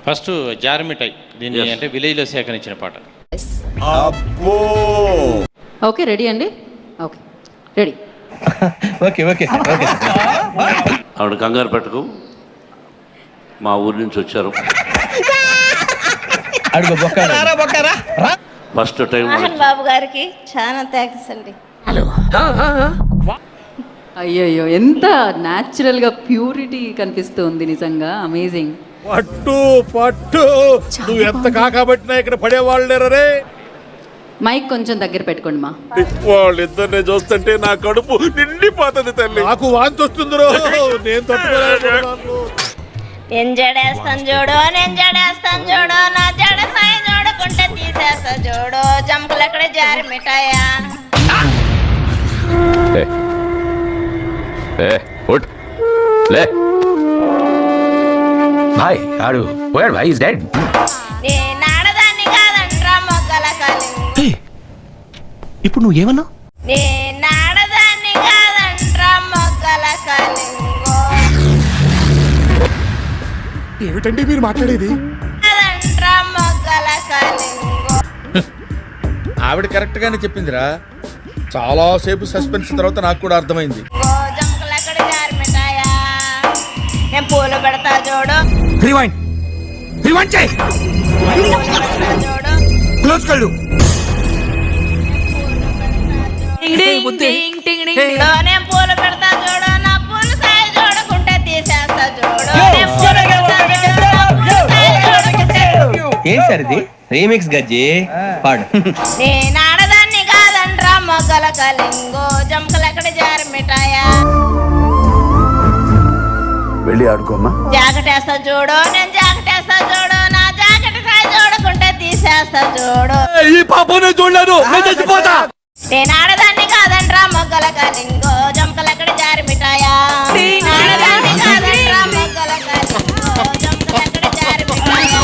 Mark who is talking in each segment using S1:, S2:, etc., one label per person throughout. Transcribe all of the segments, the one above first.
S1: First జారమిఠాయి, దీన్ని అంటే విలేజ్లో సేకరించిన పాట.
S2: ఓకే రెడీ అండి, okay ready.
S3: Okay okay okay.
S4: ఆవిడ కంగారు పెట్టకు, మా ఊరి నుంచి వచ్చారు.
S3: అడుగు బొక్కరా.
S4: ఫస్ట్ టైం
S5: మోహన్ బాబు గారికి చాలా థ్యాంక్స్ అండి.
S2: అయ్యో ఎంత న్యాచురల్గా ప్యూరిటీ కనిపిస్తుంది, నిజంగా అమేజింగ్.
S6: పట్టు పట్టు, నువ్వు ఎంత కాకబట్టినా ఇక్కడ పడేవాళ్ళు లేరే.
S2: మైక్ కొంచెం దగ్గర పెట్టుకోండి మా.
S6: వాళ్ళిద్దరిని చూస్తుంటే నా కడుపు నిండిపోతుంది తల్లి. నాకు వాంతి వస్తుంది రో, నేను తట్టుకోలేకపోతున్నాను.
S5: నేను జడేస్తాను చూడు, నేను జడేస్తాను చూడు, నా జడ సాయి చూడకుంటే తీసేస్తా చూడు, జంపులు ఎక్కడ జారి మిఠాయా.
S3: భాయ్ ఆడు వేర్ భాయ్ ఇస్ డెడ్.
S5: నేను ఆడదాన్ని కాదంట్రా మొగ్గల కలింగో.
S3: ఇప్పుడు నువ్వు ఏమన్నావు?
S5: నేను ఆడదాన్ని కాదంట్రా మొగ్గల కలింగో.
S6: ఏమిటండి మీరు మాట్లాడేది?
S5: కాదంట్రా మొగ్గల కలింగో.
S6: ఆవిడ కరెక్ట్ గానే చెప్పిందిరా. చాలా సేపు సస్పెన్స్ తర్వాత నాకు కూడా అర్థమైంది.
S5: జంపులు ఎక్కడ జారి మిఠాయా. నేను పూలు పెడతా చూడు,
S3: రివైండ్ చేయి.
S5: చూడు
S3: క్లోజ్ కళ్ళు.
S5: నేను పూలు పెడతా చూడు, నా పూలు సాయి చూడకుంటే తీసేస్తా చూడు. నేను పూలు పెడతా చూడు, నా పూలు సాయి చూడకుంటే.
S3: ఏం సార్ ఇది? రీమిక్స్ గజ్జి పాడు.
S5: నేను ఆడదాన్ని కాదంట్రా మొగ్గల కలింగో, జంకలు ఎక్కడ జారి మిఠాయా.
S7: వెళ్ళి ఆడుకోమ్మా.
S5: జాకెట్ వేస్తా చూడు, నేను జాకెట్ వేస్తా చూడు, నా జాకెట్ సాయి చూడకుంటే తీసేస్తా చూడు.
S6: ఈ పాపనే చూడలేదు, నేను చచ్చిపోతా.
S5: నేను ఆడదాన్ని కాదంట్రా మొగ్గల కలింగో, జంకలు ఎక్కడ జారి మిఠాయా. ఆడదాన్ని కాదంట్రా మొగ్గల కలింగో, జంకలు ఎక్కడ జారి మిఠాయా.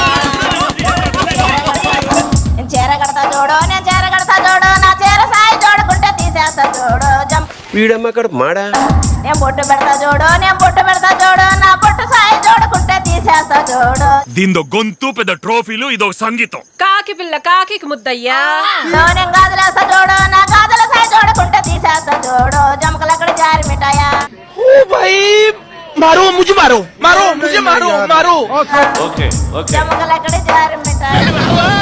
S5: నేను చీర కడతా చూడు, నేను చీర కడతా చూడు, నా చీర సాయి చూడకుంటే తీసేస్తా చూడు.
S7: వీడమ్మ అక్కడ మాడా.
S5: నేను బొట్టు పెడతా చూడు, నేను బొట్టు పెడతా చూడు, నా బొట్టు సాయి చూడకుంటే తీసేస్తా చూడు.
S8: దీంతో గొంతు పెద్ద ట్రోఫీలు, ఇదో సంగీతం.
S9: కాకి పిల్ల కాకి ముద్దయ్యా.
S5: నేను గాజులేస్తా చూడు, నా గాజుల సాయి చూడకుంటే తీసేస్తా చూడు, జమకలు ఎక్కడ జారి మిఠాయా.
S4: Okay okay.
S5: జమకలు ఎక్కడ జారి మిఠాయా.